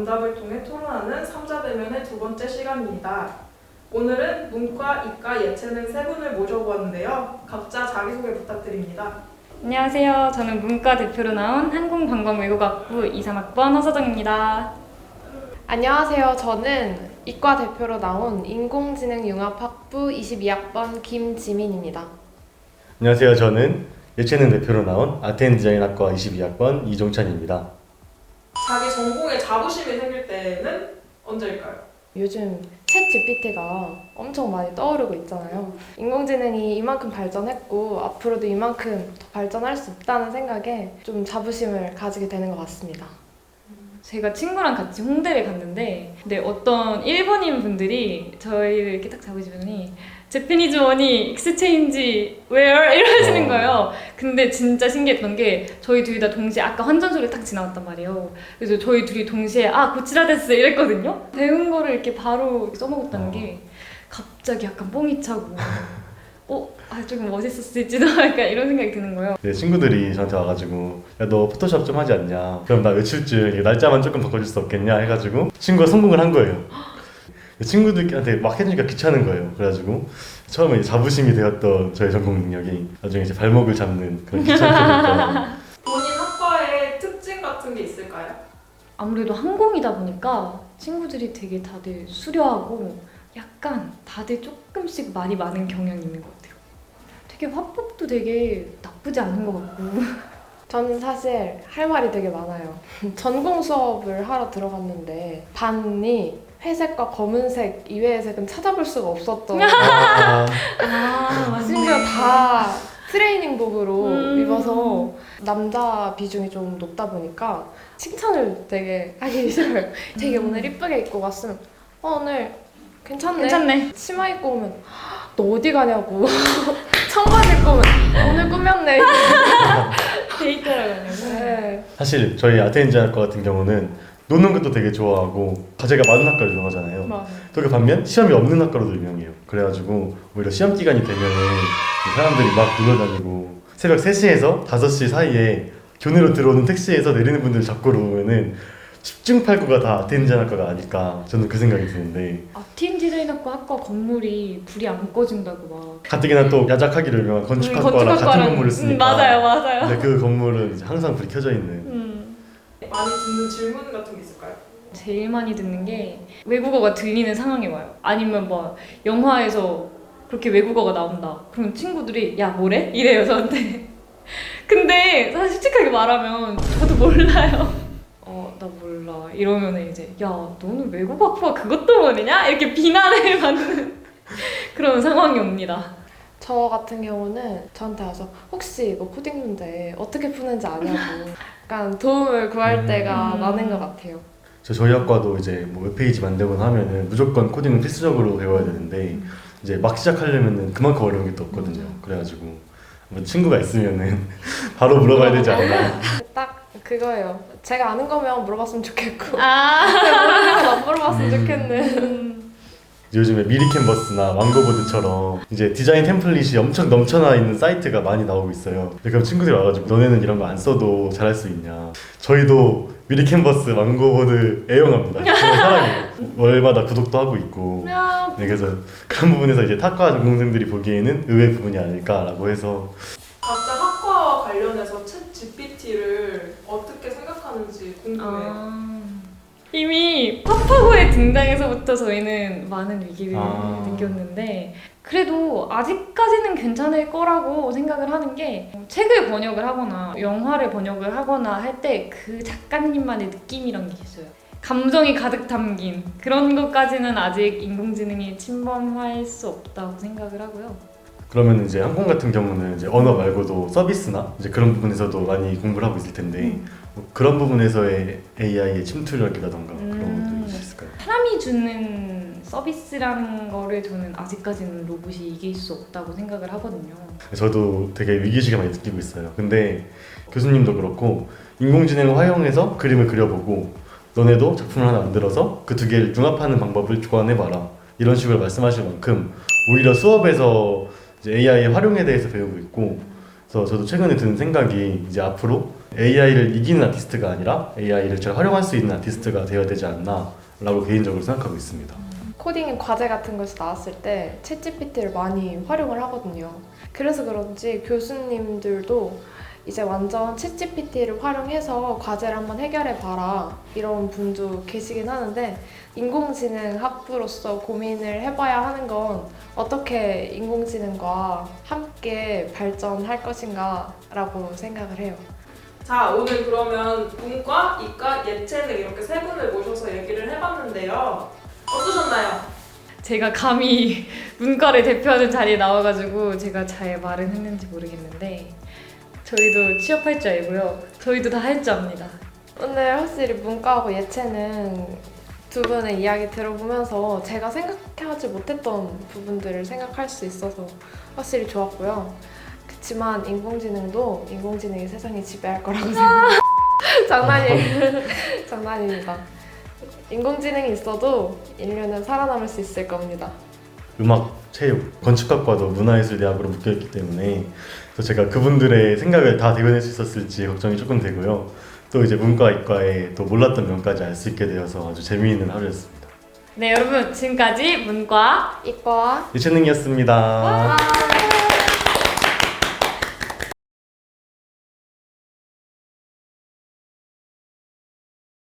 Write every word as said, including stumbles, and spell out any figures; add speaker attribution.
Speaker 1: 정답을 통해 토론하는 삼자대면의 두 번째 시간입니다. 오늘은 문과, 이과, 예체능 세 분을 모셔보았는데요. 각자 자기소개 부탁드립니다.
Speaker 2: 안녕하세요. 저는 문과 대표로 나온 항공관광외국학부 이, 삼 학번 허서정입니다.
Speaker 3: 안녕하세요. 저는 이과 대표로 나온 인공지능융합학부 이십이 학번 김지민입니다.
Speaker 4: 안녕하세요. 저는 예체능 대표로 나온 아트앤디자인학과 이십이 학번 이종찬입니다.
Speaker 1: 자기 전공에 자부심이 생길 때는 언제일까요?
Speaker 3: 요즘 챗 지피티가 엄청 많이 떠오르고 있잖아요. 인공지능이 이만큼 발전했고 앞으로도 이만큼 더 발전할 수 있다는 생각에 좀 자부심을 가지게 되는 것 같습니다.
Speaker 2: 제가 친구랑 같이 홍대를 갔는데 근데 어떤 일본인 분들이 저희를 이렇게 딱 잡으시더니 제피니즈 머니 익스체인지 웨어 이러시는 거예요. 근데 진짜 신기했던 게 저희 둘이 다 동시에 아까 환전소리 딱 지나갔단 말이에요. 그래서 저희 둘이 동시에 아 고치라 데스 이랬거든요. 배운 거를 이렇게 바로 써먹었다는 게 갑자기 약간 뽕이 차고 어? 아 조금 멋있었을지도 약간 이런 생각이 드는 거예요.
Speaker 4: 네, 친구들이 저한테 와가지고 야 너 포토샵 좀 하지 않냐? 그럼 나 외출줄 날짜만 조금 바꿔줄 수 없겠냐? 해가지고 친구가 성공을 한 거예요. 친구들한테 막 해주니까 귀찮은 거예요. 그래가지고 처음에 이제 자부심이 되었던 저의 전공 능력이 나중에 이제 발목을 잡는 그런 귀찮게
Speaker 1: 본인 학과의 특징 같은 게 있을까요?
Speaker 2: 아무래도 항공이다 보니까 친구들이 되게 다들 수려하고 약간 다들 조금씩 말이 많은 경향이 있는 것 같아요. 되게 화법도 되게 나쁘지 않은 것 같고.
Speaker 3: 저는 사실 할 말이 되게 많아요. 전공 수업을 하러 들어갔는데 반이 회색과 검은색 이외의 색은 찾아볼 수가 없었던
Speaker 4: 아,
Speaker 2: 아,
Speaker 3: 심지어 다 트레이닝복으로
Speaker 2: 음.
Speaker 3: 입어서 남자 비중이 좀 높다 보니까 칭찬을 되게 하기 싫어요. 되게
Speaker 2: 음.
Speaker 3: 오늘 이쁘게 입고 왔으면 어 오늘 괜찮네.
Speaker 2: 괜찮네.
Speaker 3: 치마 입고 오면 너 어디 가냐고. 청바지 입고 오면 오늘 꾸몄네.
Speaker 2: 데이트라고 하냐고.
Speaker 3: 네.
Speaker 4: 사실 저희 아트앤디자인학과 같은 경우는 노는 것도 되게 좋아하고 과제가 많은 학과로 유명하잖아요.
Speaker 2: 맞아.
Speaker 4: 또 그 반면 시험이 없는 학과로도 유명해요. 그래가지고 오히려 시험 기간이 되면은 사람들이 막 놀러다니고 새벽 세 시에서 다섯 시 사이에 교내로 들어오는 택시에서 내리는 분들 잡고 보면은 십중팔구가 다 아트앤디자인학과가 아닐까 저는 그 생각이 드는데
Speaker 2: 아트앤 디자인학과 학과 건물이 불이 안 꺼진다고 막.
Speaker 4: 가뜩이나 또 야작하기로 유명한 건축학과랑 같은 건물을 쓰니까
Speaker 2: 음, 맞아요, 맞아요.
Speaker 4: 근데 그 건물은 이제 항상 불이 켜져 있는
Speaker 2: 음.
Speaker 1: 많이 듣는 질문 같은 게 있을까요?
Speaker 2: 제일 많이 듣는 게 외국어가 들리는 상황이 와요. 아니면 뭐 영화에서 그렇게 외국어가 나온다. 그럼 친구들이 야 뭐래? 이래요 저한테. 근데 사실 솔직하게 말하면 저도 몰라요. 어 나 몰라 이러면 이제 야 너는 외국어 학부가 그것도 모르냐? 이렇게 비난을 받는 그런 상황이 옵니다.
Speaker 3: 저 같은 경우는 저한테 와서 혹시 이거 코딩 문제 어떻게 푸는지 아냐고 약간 도움을 구할 때가
Speaker 2: 음.
Speaker 3: 많은 것 같아요.
Speaker 4: 저 저희 학과도 이제 뭐 웹페이지 만들거나 하면은 무조건 코딩은 필수적으로 배워야 되는데 이제 막 시작하려면은 그만큼 어려운 게 또 없거든요. 그래가지고 뭐 친구가 있으면은 바로 물어봐야 되지 않나.
Speaker 3: 딱 그거예요. 제가 아는 거면 물어봤으면 좋겠고
Speaker 2: 아
Speaker 3: 모르는 건 안 물어봤으면
Speaker 4: 음.
Speaker 3: 좋겠네.
Speaker 4: 요즘에 미리 캔버스나 왕고보드처럼 이제 디자인 템플릿이 엄청 넘쳐나 있는 사이트가 많이 나오고 있어요. 그럼 친구들이 와가지고 너네는 이런 거 안 써도 잘할 수 있냐. 저희도 미리 캔버스, 왕고보드 애용합니다. 저는 사랑해요. 월마다 구독도 하고 있고.
Speaker 2: 야,
Speaker 4: 네, 그래서 그런 부분에서 이제 타과 전공생들이 보기에는 의외의 부분이 아닐까라고 해서
Speaker 1: 각자 학과와 관련해서 챗 지피티를 어떻게 생각하는지 궁금해요.
Speaker 2: 아, 이미 파파고의 등장에서부터 저희는 많은 위기를
Speaker 4: 아.
Speaker 2: 느꼈는데 그래도 아직까지는 괜찮을 거라고 생각을 하는 게 책을 번역을 하거나 영화를 번역을 하거나 할 때 그 작가님만의 느낌이란 게 있어요. 감정이 가득 담긴 그런 것까지는 아직 인공지능이 침범할 수 없다고 생각을 하고요.
Speaker 4: 그러면 이제 항공 같은 경우는 이제 언어 말고도 서비스나 이제 그런 부분에서도 많이 공부를 하고 있을 텐데
Speaker 2: 음.
Speaker 4: 뭐 그런 부분에서의 에이아이의 침투력이라던가
Speaker 2: 음.
Speaker 4: 그런 것도 있을까요?
Speaker 2: 사람이 주는 서비스라는 거를 저는 아직까지는 로봇이 이길 수 없다고 생각을 하거든요.
Speaker 4: 저도 되게 위기의식을 많이 느끼고 있어요. 근데 교수님도 그렇고 인공지능을 활용해서 그림을 그려보고 너네도 작품을 하나 만들어서 그 두 개를 융합하는 방법을 조언해봐라 이런 식으로 말씀하실 만큼 오히려 수업에서 이제 에이아이의 활용에 대해서 배우고 있고 그래서 저도 최근에 드는 생각이 이제 앞으로 에이아이를 이기는 아티스트가 아니라 에이아이를 잘 활용할 수 있는 아티스트가 되어야 되지 않나 라고 개인적으로 생각하고 있습니다.
Speaker 3: 코딩 과제 같은 것이 나왔을 때 챗지피티를 많이 활용을 하거든요. 그래서 그런지 교수님들도 이제 완전 챗지피티를 활용해서 과제를 한번 해결해봐라 이런 분도 계시긴 하는데 인공지능 학부로서 고민을 해봐야 하는 건 어떻게 인공지능과 함께 발전할 것인가 라고 생각을 해요.
Speaker 1: 자, 오늘 그러면 문과, 이과, 예체능 이렇게 세 분을 모셔서 얘기를 해봤는데요. 어떠셨나요?
Speaker 2: 제가 감히 문과를 대표하는 자리에 나와가지고 제가 잘 말은 했는지 모르겠는데 저희도 취업할 줄 알고요. 저희도 다 할 줄 압니다.
Speaker 3: 오늘 확실히 문과하고 예체능 두 분의 이야기 들어보면서 제가 생각하지 못했던 부분들을 생각할 수 있어서 확실히 좋았고요. 그렇지만 인공지능도 인공지능이 세상을 지배할 거라고 생각해요. 장난이에요. 장난입니다. 인공지능이 있어도 인류는 살아남을 수 있을 겁니다.
Speaker 4: 음악, 체육, 건축학과도 문화예술대학으로 묶여있기 때문에 또 제가 그분들의 생각을 다 대변할 수 있었을지 걱정이 조금 되고요. 또 이제 문과, 이과의 또 몰랐던 면까지 알 수 있게 되어서 아주 재미있는 하루였습니다.
Speaker 2: 네, 여러분 지금까지 문과
Speaker 3: 이과
Speaker 4: 예체능이었습니다.
Speaker 3: 와!